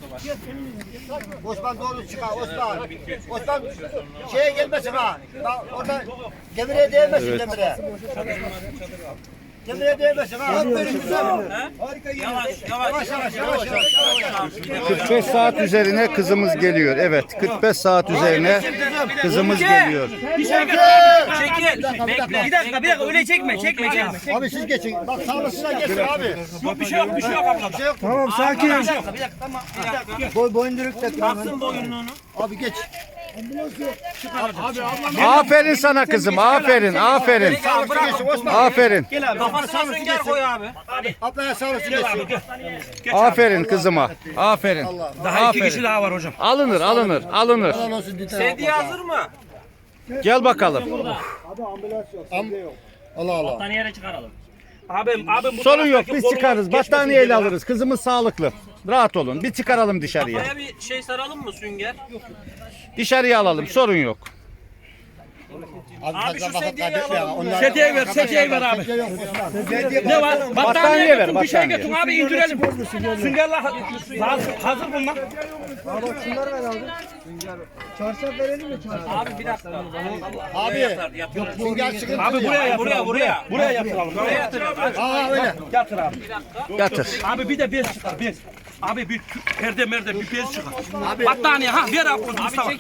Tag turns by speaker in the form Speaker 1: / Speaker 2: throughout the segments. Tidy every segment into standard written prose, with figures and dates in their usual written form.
Speaker 1: Osman doğru çıkar Osman. Osman şeye gelmesin ha. Orada demire değmesin demire. Demire değmesin ha. Aferin güzel. Yavaş yavaş.
Speaker 2: 45 saat üzerine kızımız geliyor. Evet, 45 saat üzerine kızımız geliyor.
Speaker 3: Çekil. Bir dakika öyle çekme.
Speaker 1: Abi siz geçin. Bak sağlasına geçsin abi.
Speaker 3: Yok bir şey yok ablada.
Speaker 1: Tamam sakin.
Speaker 3: Bir dakika tamam.
Speaker 1: Boyunduruk da.
Speaker 3: Baksın boyunluğunu.
Speaker 1: Abi geç.
Speaker 2: Aferin sana kızım. Aferin. Aferin.
Speaker 3: Kafasına sünger koy abi.
Speaker 1: Ablaya sağlasın geçsin.
Speaker 2: Aferin kızıma. Aferin.
Speaker 3: Daha 2 kişi daha var hocam.
Speaker 2: Alınır.
Speaker 1: Allah olsun dite.
Speaker 3: Sedye hazır mı?
Speaker 2: Gel bakalım.
Speaker 1: Allah Allah.
Speaker 3: Battaniyeye çıkaralım. Abim bu
Speaker 2: Sorun yok.
Speaker 3: taraftaki
Speaker 2: Biz
Speaker 3: kolunu
Speaker 2: çıkarız.
Speaker 3: geçmesin
Speaker 2: Battaniyeyle
Speaker 3: diye.
Speaker 2: alırız. Kızımız sağlıklı. Rahat olun. Bir çıkaralım dışarıya.
Speaker 3: Kafaya bir şey saralım mı sünger?
Speaker 2: Dışarıya alalım. Sorun yok.
Speaker 3: Abi şu sedyeyi
Speaker 1: kaybetme
Speaker 3: alalım.
Speaker 1: ya.
Speaker 3: Sedyeyi ver abi. Ne var?
Speaker 2: Battaniye ver,
Speaker 3: Bir şey
Speaker 2: battaniye.
Speaker 3: götür abi indirelim. Süngerler hazır bunlar.
Speaker 1: Çarşaf verelim mi çarşaf?
Speaker 3: Abi bir dakika.
Speaker 1: Abi. Sünger sıkıntı.
Speaker 3: Abi buraya yatıralım. Buraya yatıralım.
Speaker 1: Aa öyle.
Speaker 3: Yatır abi.
Speaker 2: Yatır.
Speaker 3: Abi bir de bez çıkar bez. Abi bir perde bir bez çıkar. Battaniye ver abi Mustafa.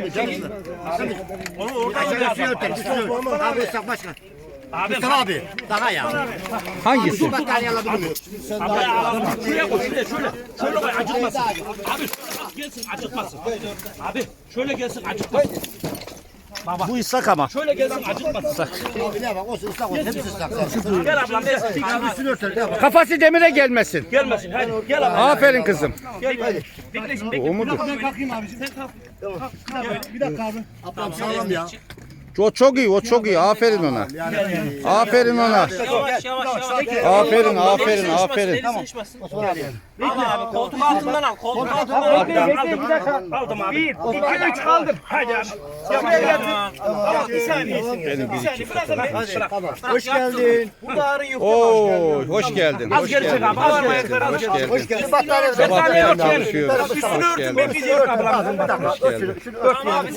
Speaker 3: Onu oradan
Speaker 1: Üstünü örter. Abi Mustafa başkan. Mustafa abi. Daha ya.
Speaker 2: Hangisi?
Speaker 1: Battaniye alabilir miyim?
Speaker 3: Şuraya koy şöyle koy acıtmasın. Abi gelsin acıtmasın. Abi şöyle gelsin acıtmasın.
Speaker 2: Bu ıslak ama.
Speaker 3: Şöyle gelsin acıtmasın.
Speaker 1: Abi ne bak olsun ıslak olsun. Hepsi ıslak.
Speaker 3: Gel ablam gel.
Speaker 1: Abi üstünü örter. Ne bak.
Speaker 2: Kafası demire gelmesin.
Speaker 3: Gelmesin hadi gel ablam.
Speaker 2: Aferin kızım.
Speaker 3: Bekle.
Speaker 2: O mudur?
Speaker 3: Ben kalkayım abi. Sen kalk. Bir dakika abi.
Speaker 1: Ablam sağlam ya.
Speaker 2: O çok iyi. Aferin ona. Aferin ona.
Speaker 3: Yavaş.
Speaker 2: Aferin.
Speaker 3: Tamam. Abi koltuk altından al. Koltuk altından al. Aldım abi. 1, 2, 3 kaldım. Hadi abi. Şuraya getir. Bir saniye.
Speaker 1: Hoş geldin.
Speaker 3: Burada ağrın yok.
Speaker 2: Oo, hoş geldin.
Speaker 3: Az geri çek abi. Az ayakları az geri çek.
Speaker 1: Hoş geldin. Battaniye
Speaker 2: Sabahtan
Speaker 3: Battaniye
Speaker 2: çalışıyoruz.
Speaker 3: Üstünü
Speaker 2: Hoş
Speaker 3: örtün
Speaker 2: geldin.
Speaker 3: bekleyeceğiz ablam.
Speaker 1: Bir dakika. Şunu ört.
Speaker 3: Tamam abi